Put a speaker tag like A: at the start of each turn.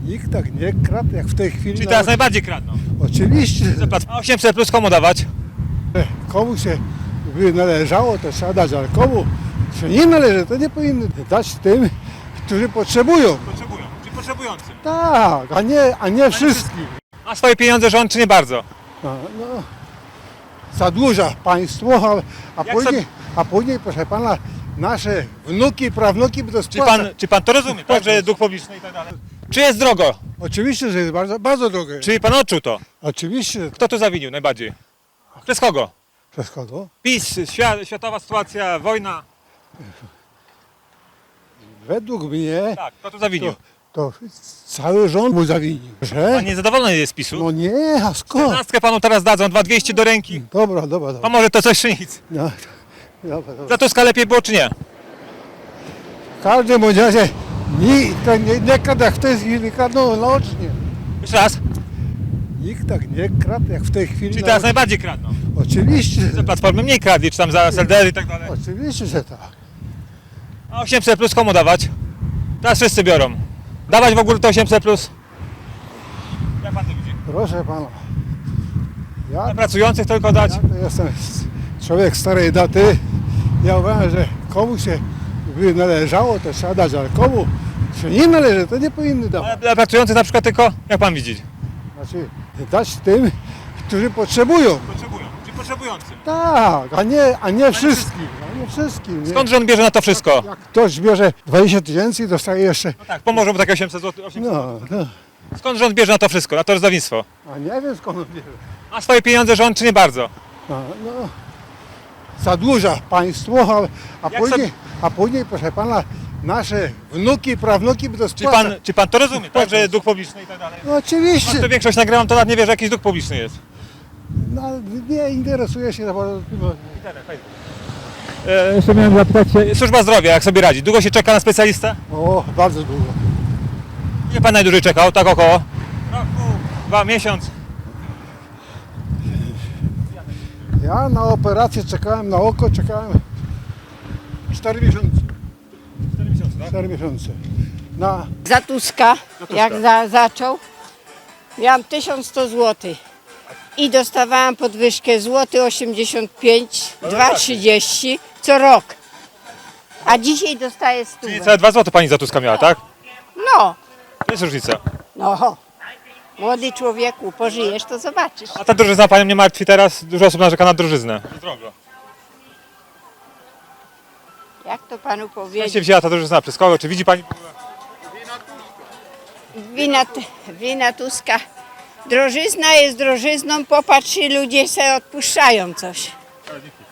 A: Nikt tak nie kradł jak w tej chwili.
B: Czyli teraz najbardziej kradną.
A: Oczywiście.
B: A 800 plus komu dawać?
A: Komu się by należało, to trzeba dać, ale komu się nie należy, to nie powinny dać tym, którzy potrzebują.
B: Potrzebują, czyli potrzebującym.
A: Tak, a nie wszystkim.
B: A swoje pieniądze rząd czy nie bardzo?
A: No, zadłuża państwo, a później, proszę pana, nasze wnuki, prawnuki by to spłacać.
B: Czy pan to rozumie, tak, że dług publiczny i tak dalej? Czy jest drogo?
A: Oczywiście, że jest bardzo, bardzo drogie.
B: Czyli pan odczuł to?
A: Oczywiście.
B: Kto tu zawinił najbardziej? Przez kogo?
A: Przez kogo?
B: PiS, światowa sytuacja, wojna.
A: Według mnie
B: Tak, kto tu zawinił?
A: to cały rząd mu zawinił. Że?
B: Pan niezadowolony jest z PiSu?
A: No nie, a skąd?
B: 14 panu teraz dadzą, 2200 do ręki.
A: Dobra.
B: Pan może to coś czy nic?
A: No, dobra.
B: Za Tuska lepiej było czy nie?
A: W każdym bądź razie nie kradł jak w tej chwili, kradną naocznie.
B: Jeszcze raz.
A: Nikt tak nie kradł jak w tej chwili.
B: Czyli teraz najbardziej kradną.
A: Oczywiście.
B: Za Platformy mniej kradli, czy tam za SLD i tak dalej.
A: Oczywiście, że tak.
B: A 800 plus komu dawać? Teraz wszyscy biorą. Dawać w ogóle to 800 plus? Jak pan to widzi?
A: Proszę pana.
B: Dla
A: Ja
B: pracujących tylko dać?
A: to jestem człowiek starej daty. Ja uważam, że komu się by należało, to trzeba dać, ale komu się nie należy, to nie powinny
B: Ale
A: dawać.
B: dla pracujących na przykład tylko? Jak pan widzi?
A: Znaczy dać tym, którzy potrzebują.
B: Potrzebują, czyli potrzebującym.
A: Tak, a nie wszystkim. A nie wszystkim. Nie?
B: Skąd rząd bierze na to wszystko?
A: Jak ktoś bierze 20 000 i dostaje jeszcze.
B: No tak, pomożą mu takie 800 zł.
A: No.
B: Skąd rząd bierze na to wszystko, na to rozdawnictwo?
A: A nie wiem skąd on bierze.
B: A swoje pieniądze rząd czy nie bardzo?
A: No, zadłuża państwo,
B: Jak
A: a później, proszę pana, nasze wnuki, prawnuki by to
B: Czy
A: spłacać.
B: pan to rozumie, tak, że dług publiczny i tak dalej?
A: No oczywiście.
B: To większość nagrywam, to nawet nie wie, że jakiś dług publiczny jest.
A: No, nie interesuje się za bardzo.
B: Jeszcze miałem zapytać się, służba zdrowia, jak sobie radzi? Długo się czeka na specjalistę?
A: O, bardzo długo.
B: Ile pan najdłużej czekał? Tak około? Roku, 2 miesiąc.
A: Ja na operację czekałem, na oko czekałem 4 miesiące.
B: 4 miesiące, tak?
A: 4 miesiące. Na
C: Za Tuska, jak zaczął, miałam 1100 zł i dostawałam podwyżkę złoty 85, 2,30 co rok. A dzisiaj dostaję 100.
B: Czyli całe 2 zł pani za Tuska miała, tak?
C: No,
B: To jest różnica.
C: no, młody człowieku, pożyjesz, to zobaczysz.
B: A ta drożyzna panią nie martwi teraz? Dużo osób narzeka na drożyznę. Drogo.
C: Jak to panu
B: Skąd się
C: powiedzieć?
B: wzięła ta drożyzna? Przez kogo? Czy widzi pani?
C: Wina Tuska. Drożyzna jest drożyzną, popatrz, ludzie sobie odpuszczają coś.